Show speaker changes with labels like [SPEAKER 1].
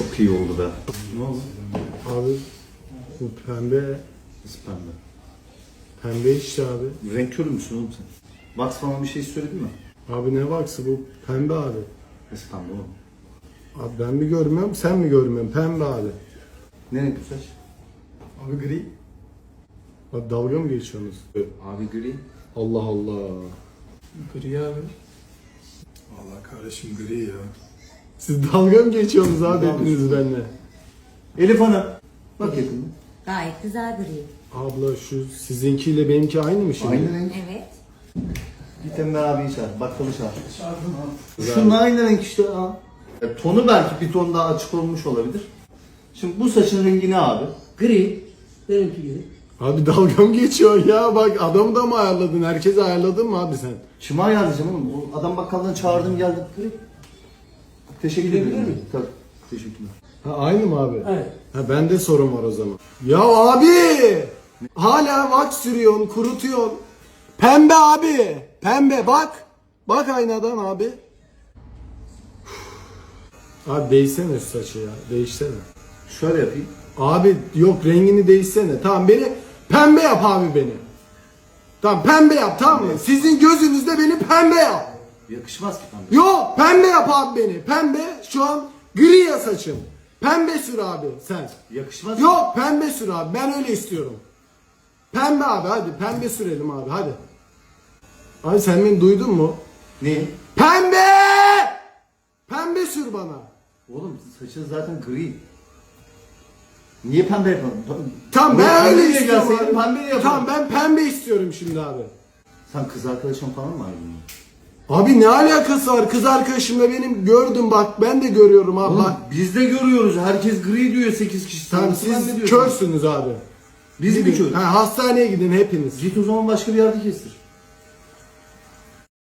[SPEAKER 1] Çok iyi oldu be. Ne oldu?
[SPEAKER 2] Abi bu pembe.
[SPEAKER 1] Nasıl pembe?
[SPEAKER 2] Pembe işte abi.
[SPEAKER 1] Renk körü müsün oğlum sen? Box falan bir şey söyledin mi?
[SPEAKER 2] Abi ne baksı bu pembe abi.
[SPEAKER 1] Nasıl pembe oğlum?
[SPEAKER 2] Abi ben mi görmüyorum sen mi görmüyorsun? Pembe abi.
[SPEAKER 1] Ne renk bu saç?
[SPEAKER 2] Abi gri. Abi dalga mı geçiyorsunuz?
[SPEAKER 1] Abi gri.
[SPEAKER 2] Allah Allah.
[SPEAKER 3] Gri abi. Vallahi kardeşim gri ya.
[SPEAKER 2] Siz dalga mı geçiyorsunuz abi
[SPEAKER 1] Dalga
[SPEAKER 2] hepiniz benimle?
[SPEAKER 1] Elif Hanım. Bak yakında.
[SPEAKER 4] Gayet güzel gri.
[SPEAKER 2] Abla şu sizinkiyle benimki aynı mı şimdi?
[SPEAKER 1] Aynı renk.
[SPEAKER 4] Evet.
[SPEAKER 1] Git Emre abiyi çağır. Bakkalı çağır.
[SPEAKER 3] Çağırdım abi.
[SPEAKER 1] Şunun aynı renk işte ha. Tonu belki bir ton daha açık olmuş olabilir. Şimdi bu saçın rengi ne abi?
[SPEAKER 5] Gri. Benimki gibi.
[SPEAKER 2] Abi dalga mı geçiyorsun ya? Bak adamı da mı ayarladın? Herkesi ayarladın mı abi sen?
[SPEAKER 1] Kime ayarlayacağım oğlum? O adam bakkaldan çağırdım geldim. Teşekkür
[SPEAKER 5] Gidebilir
[SPEAKER 1] ederim.
[SPEAKER 5] miyim?
[SPEAKER 1] Tabii. Teşekkürler.
[SPEAKER 2] Ha aynı mı abi?
[SPEAKER 5] Evet.
[SPEAKER 2] Ha bende sorun var o zaman. Ya abi! Hala wax sürüyorsun, kurutuyorsun. Pembe abi! Pembe bak! Bak aynadan abi. Abi değişsene şu saçı ya. Değişsene.
[SPEAKER 1] Şöyle yapayım.
[SPEAKER 2] Abi yok rengini değişsene. Tamam beni pembe yap abi beni. Tamam pembe yap tamam mı? Sizin gözünüzde beni pembe yap.
[SPEAKER 1] Yakışmaz ki pembe.
[SPEAKER 2] Yok pembe yap abi beni. Pembe şu an gri ya saçım. Pembe sür abi sen.
[SPEAKER 1] Yakışmaz ki.
[SPEAKER 2] Yok pembe sür abi ben öyle istiyorum. Pembe abi hadi pembe sürelim abi hadi. Abi sen beni duydun mu?
[SPEAKER 1] Ne?
[SPEAKER 2] Pembe! Pembe sür bana.
[SPEAKER 1] Oğlum saçın zaten gri. Niye pembe yapalım?
[SPEAKER 2] Tamam
[SPEAKER 1] Ulan
[SPEAKER 2] ben öyle
[SPEAKER 1] pembeye
[SPEAKER 2] istiyorum
[SPEAKER 1] gelseydin
[SPEAKER 2] abi.
[SPEAKER 1] pembe yapalım.
[SPEAKER 2] Tamam ben pembe istiyorum şimdi abi.
[SPEAKER 1] Sen kız arkadaşın falan mı ayrıldın?
[SPEAKER 2] Abi ne alakası var? Kız arkadaşımla benim gördüm bak ben de görüyorum abi
[SPEAKER 1] Oğlum
[SPEAKER 2] bak.
[SPEAKER 1] biz de görüyoruz. Herkes gri diyor 8 kişi. Sen
[SPEAKER 2] Tamam
[SPEAKER 1] nasıl ben ne
[SPEAKER 2] siz
[SPEAKER 1] diyorsun?
[SPEAKER 2] körsünüz abi.
[SPEAKER 1] Biz mi
[SPEAKER 2] Gidin.
[SPEAKER 1] körüz?
[SPEAKER 2] Ha, hastaneye gidin hepiniz.
[SPEAKER 1] Git o zaman başka bir yerde kestir.